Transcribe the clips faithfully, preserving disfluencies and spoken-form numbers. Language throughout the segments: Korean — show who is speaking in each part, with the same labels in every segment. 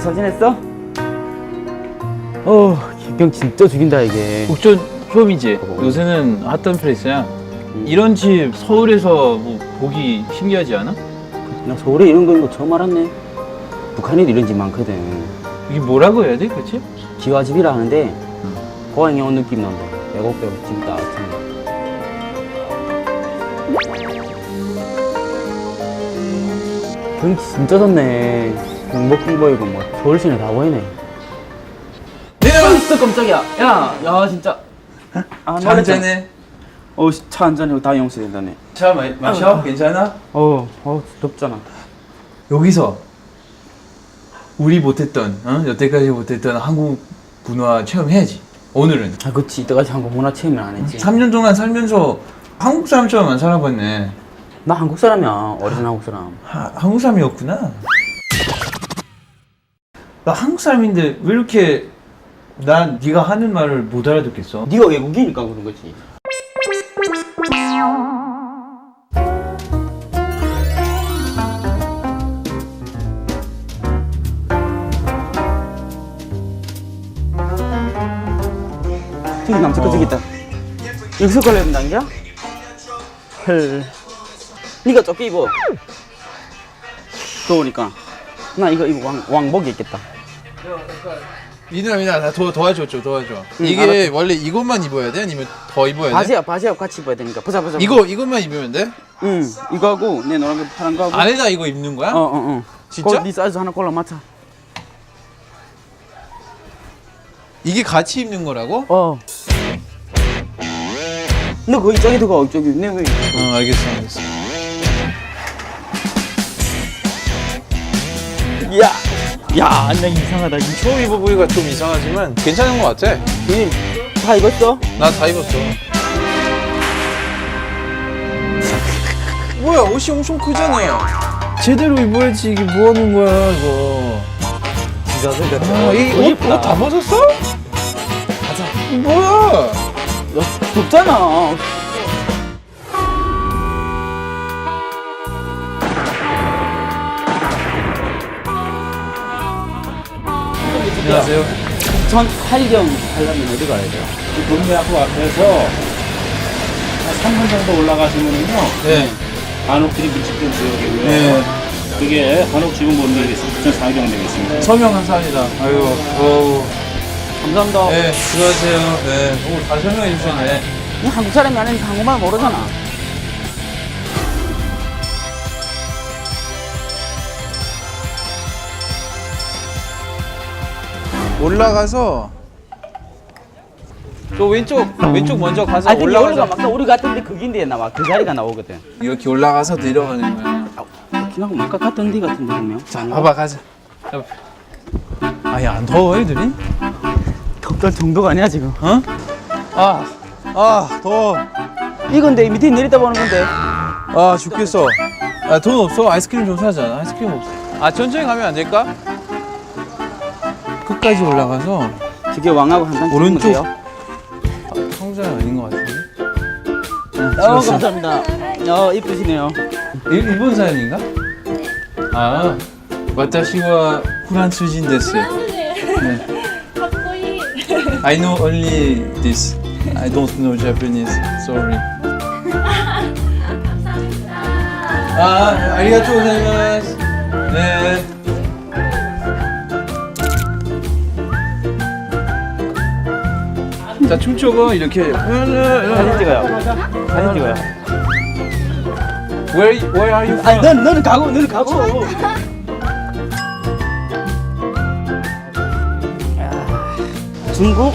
Speaker 1: 잘 지냈어? 어, 김병 진짜 죽인다 이게.
Speaker 2: 옥전 홈이지. 요새는 핫한 플레이스야.
Speaker 1: 음.
Speaker 2: 이런 집 서울에서 뭐 보기 신기하지 않아?
Speaker 1: 나 서울에 이런 거 있는 거 처음 알았네. 북한에도 이런 집 많거든.
Speaker 2: 이게 뭐라고 해야 돼, 그치?
Speaker 1: 기와집이라 하는데 고향에 온 느낌 난다. 애국배고 집 따뜻한 거. 경치 진짜 좋네. 경복궁 보이고 뭐 서울시내 다 보이네.
Speaker 2: 내려!
Speaker 1: 진짜 깜짝이야. 야, 야 진짜. 아,
Speaker 2: 차 한잔해.
Speaker 1: 어, 차 한잔해. 다 용서된다네.
Speaker 2: 차 마, 마셔? 괜찮아?
Speaker 1: 어, 어, 덥잖아.
Speaker 2: 여기서 우리 못했던, 어? 여태까지 못했던 한국 문화 체험해야지. 오늘은.
Speaker 1: 아, 그치. 이때까지 한국 문화 체험을 안 했지.
Speaker 2: 삼 년 동안 살면서 한국 사람처럼 안 살아봤네.
Speaker 1: 나 한국 사람이야. 어리진 한국 사람.
Speaker 2: 하, 한국 사람이었구나. 나 한국 사람인데 왜 이렇게 난 네가 하는 말을 못 알아듣겠어?
Speaker 1: 네가 외국이니까 그런 거지. 저기 남자 거
Speaker 2: 어.
Speaker 1: 저기 있다. 여기서 걸려야 된다는 거야? 헐. 네가 조끼 입어. 더우니까. 나 이거 이거 왕, 왕복이 있겠다.
Speaker 3: 미누야 미누야 나 도, 도와줘 줘 도와줘.
Speaker 1: 응,
Speaker 3: 이게
Speaker 1: 알았어.
Speaker 3: 원래 이것만 입어야 돼? 아니면 더 입어야 돼?
Speaker 1: 바지야 바지하고 같이 입어야 되니까. 보자 보자.
Speaker 3: 이거 이것만 입으면 돼?
Speaker 1: 응. 이거하고 내 노란 거 파란 거하고.
Speaker 3: 안에다 이거 입는 거야?
Speaker 1: 어어 어.
Speaker 3: 진짜?
Speaker 1: 네 사이즈 하나 골라 맞춰.
Speaker 3: 이게 같이 입는 거라고?
Speaker 1: 어. 너 거기 저기 들어가 저기 내 왜?
Speaker 3: 어 알겠어 알겠어.
Speaker 1: 야, 야, 나 이상하다. 이
Speaker 3: 처음 입어보기가 좀 이상하지만 괜찮은 거 같아.
Speaker 1: 형님 다 입었어?
Speaker 3: 나 다 입었어. 뭐야 옷이 엄청 크잖아.
Speaker 2: 제대로 입어야지. 이게 뭐 하는 거야, 이거.
Speaker 3: 아, 이옷 다 벗었어? 가자. 뭐야?
Speaker 1: 야, 덥잖아.
Speaker 3: 안녕하세요.
Speaker 1: 전 활경 하려면 어디 가야 돼요?
Speaker 4: 동대학교 앞에서 한 삼 분 정도 올라가시면은요,
Speaker 3: 네.
Speaker 4: 한옥들이 밀집된 지역이고요.
Speaker 3: 네.
Speaker 4: 그게 한옥지구본부에 부천 상경되어 있습니다.
Speaker 3: 서명 감사합니다. 아유, 어우.
Speaker 1: 감사합니다.
Speaker 3: 네, 수고하세요. 네. 오, 다 설명해 주셨네.
Speaker 1: 이 한국 사람이 아니니까 한국말 모르잖아.
Speaker 3: 올라가서 저 왼쪽 왼쪽 먼저 가서
Speaker 1: 아, 근데 여기가
Speaker 3: 올라가서
Speaker 1: 막상 우리 같은데 거긴데 나와 그 자리가 나오거든.
Speaker 3: 이렇게 올라가서 내려가는 거야.
Speaker 1: 그냥 뭔가 같은 데 같은데 보면.
Speaker 3: 자, 봐봐 가자. 아야 안 더워 애들이?
Speaker 1: 덥던 정도가 아니야 지금.
Speaker 3: 어? 아, 아 더워.
Speaker 1: 이건 내 밑에 내리다 보는 건데.
Speaker 3: 아 죽겠어. 아 돈 없어? 아이스크림 좀 사자. 아이스크림 없어. 아 천천히 가면 안 될까? 끝까지 올라가서
Speaker 1: 저게 왕하고 한 단
Speaker 3: 오른쪽.
Speaker 1: 찍으면 돼요.
Speaker 3: 아, 성자 아닌 것 같은데?
Speaker 1: 어, 감사합니다. 어, 이쁘시네요.
Speaker 3: 일, 일본 사연인가? 아, 와타시와 프란스인 데스. 네. I know only this. I don't know Japanese. Sorry. 아, 아리가토 고자이마스. 네. 자, 춤춰봐 이렇게.
Speaker 1: 사진 찍어요. 사진 찍어요.
Speaker 3: Where Where are you from?
Speaker 1: 아니, 넌, 너는 가고, 너는 가고. 중국?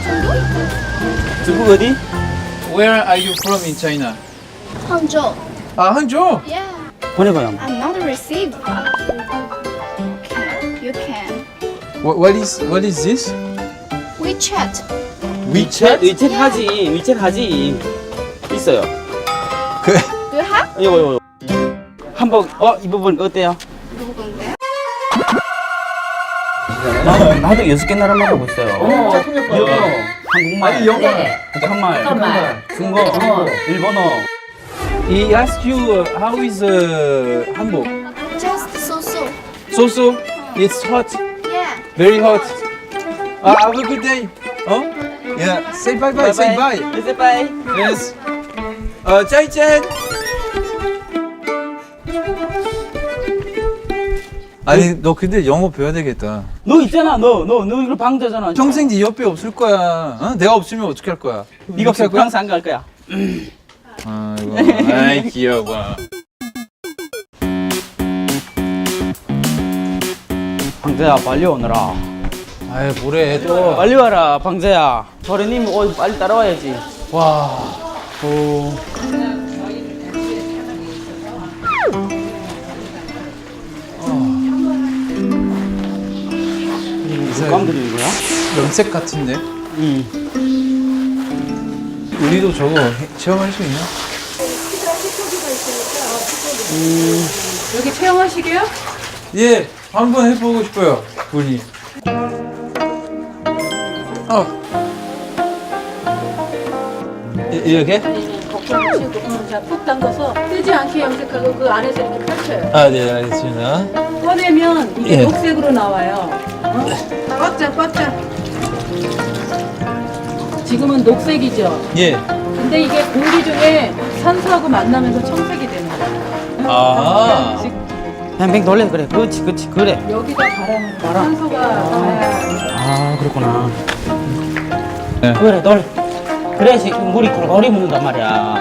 Speaker 1: 중국 어디?
Speaker 3: Where are you from in China?
Speaker 5: Hangzhou.
Speaker 3: 아, 항저.
Speaker 5: Yeah.
Speaker 1: 보내봐요.
Speaker 5: I'm not received. Okay, you can.
Speaker 3: What, what is What is this?
Speaker 5: WeChat.
Speaker 1: 위챗? 위챗 하지. 위챗 하지. 있어요.
Speaker 3: 그
Speaker 5: Do you have?
Speaker 1: 이거, 이거. 한번, 어, 이 부분 어때요?
Speaker 5: 누군데?
Speaker 1: 나, 나도 여섯 개 나라 말하고 있어요.
Speaker 3: 어,
Speaker 1: 일본어, 한국말,
Speaker 3: 아니, 영어.
Speaker 1: 북한말,
Speaker 6: 북한말.
Speaker 1: 중국어, 일본어.
Speaker 2: He asked you uh, how is uh, 한복?
Speaker 5: Just so so.
Speaker 2: So so? It's hot.
Speaker 5: Yeah.
Speaker 3: Very hot. Ah, have a good day. 어? Yeah. Say bye bye. Say bye.
Speaker 1: Say bye.
Speaker 3: Yes. 어, 짜이짠. 아니, 너 근데 영어 배워야 되겠다.
Speaker 1: 너 있잖아, 너, 너, 너 이거 방자잖아.
Speaker 3: 평생 네 옆에 없을 거야. 어? 내가 없으면 어떻게 할 거야?
Speaker 1: 네가 없으면 프랑스 안 갈 거야.
Speaker 3: 아이고, 아이 귀여워.
Speaker 1: 방자야, 빨리 오너라.
Speaker 3: 아이 뭐래 또.
Speaker 1: 빨리 와라, 방자야. 저래님, 어, 빨리 따라와야지.
Speaker 3: 와.
Speaker 1: 오. 무슨 감 들이는 거야?
Speaker 3: 염색 같은데?
Speaker 1: 응.
Speaker 3: 우리도 저거 해- 체험할 수 있나?
Speaker 6: 여기 체험하시게요?
Speaker 3: 예, 한번 해보고 싶어요, 우리. 어. 이- 이렇게?
Speaker 6: 걱정 마시고 자, 푹 담가서 뜨지 않게 염색하고 그 안에서 이렇게 펼쳐요.
Speaker 3: 아, 네, 알겠습니다.
Speaker 6: 꺼내면 이게
Speaker 3: 예.
Speaker 6: 녹색으로 나와요. 어? 꽉 짜, 꽉 짜. 지금은 녹색이죠.
Speaker 3: 예.
Speaker 6: 근데 이게 공기 중에 산소하고 만나면서 청색이 되는 거예요.
Speaker 3: 아.
Speaker 1: 뱅뱅 돌려, 그래. 그렇지, 그렇지, 그래.
Speaker 6: 여기다 바람, 산소가 가야
Speaker 1: 아, 그렇구나.
Speaker 3: 네.
Speaker 1: 그래, 돌. 그래야지 물이 골고루 묻는단 말이야.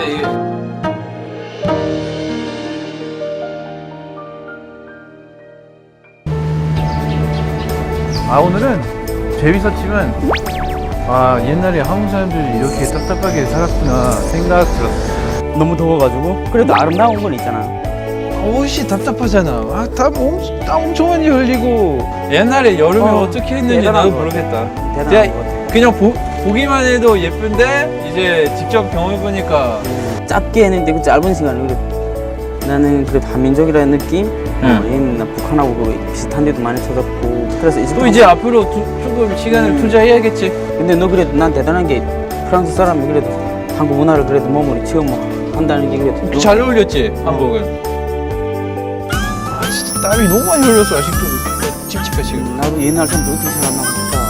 Speaker 3: 아, 오늘은 재밌었지만, 아, 옛날에 한국 사람들이 이렇게 답답하게 살았구나 생각 들었어.
Speaker 1: 너무 더워가지고. 그래도 아름다운 건 있잖아.
Speaker 3: 옷이 답답하잖아. 아, 땀, 엄, 땀 엄청 많이 흘리고. 옛날에 여름에
Speaker 1: 어,
Speaker 3: 어, 떻게 했는지
Speaker 1: 대단한
Speaker 3: 나도
Speaker 1: 것 같아.
Speaker 3: 모르겠다.
Speaker 1: 대단한
Speaker 3: 그냥,
Speaker 1: 것 같아.
Speaker 3: 그냥 보, 보기만 해도 예쁜데 이제 직접 경험해보니까
Speaker 1: 짧게 했는데 그 짧은 시간에 그래. 나는 그래도 한민족이라는 느낌? 어, 얘는 나 북한하고 그 비슷한 데도 많이 찾았고. 그래서 이제
Speaker 3: 또 이제 앞으로 두, 조금 시간을
Speaker 1: 음.
Speaker 3: 투자해야겠지.
Speaker 1: 근데 너 그래도 난 대단한 게 프랑스 사람이 그래도 한국 문화를 그래도 몸으로 체험한다는 게 그래도 너-
Speaker 3: 잘 어울렸지 한복은. 아 진짜 땀이 너무 많이 흘렸어 아직도 찝찝해 지금.
Speaker 1: 나도 옛날 사람들 어떻게 살았나 보다.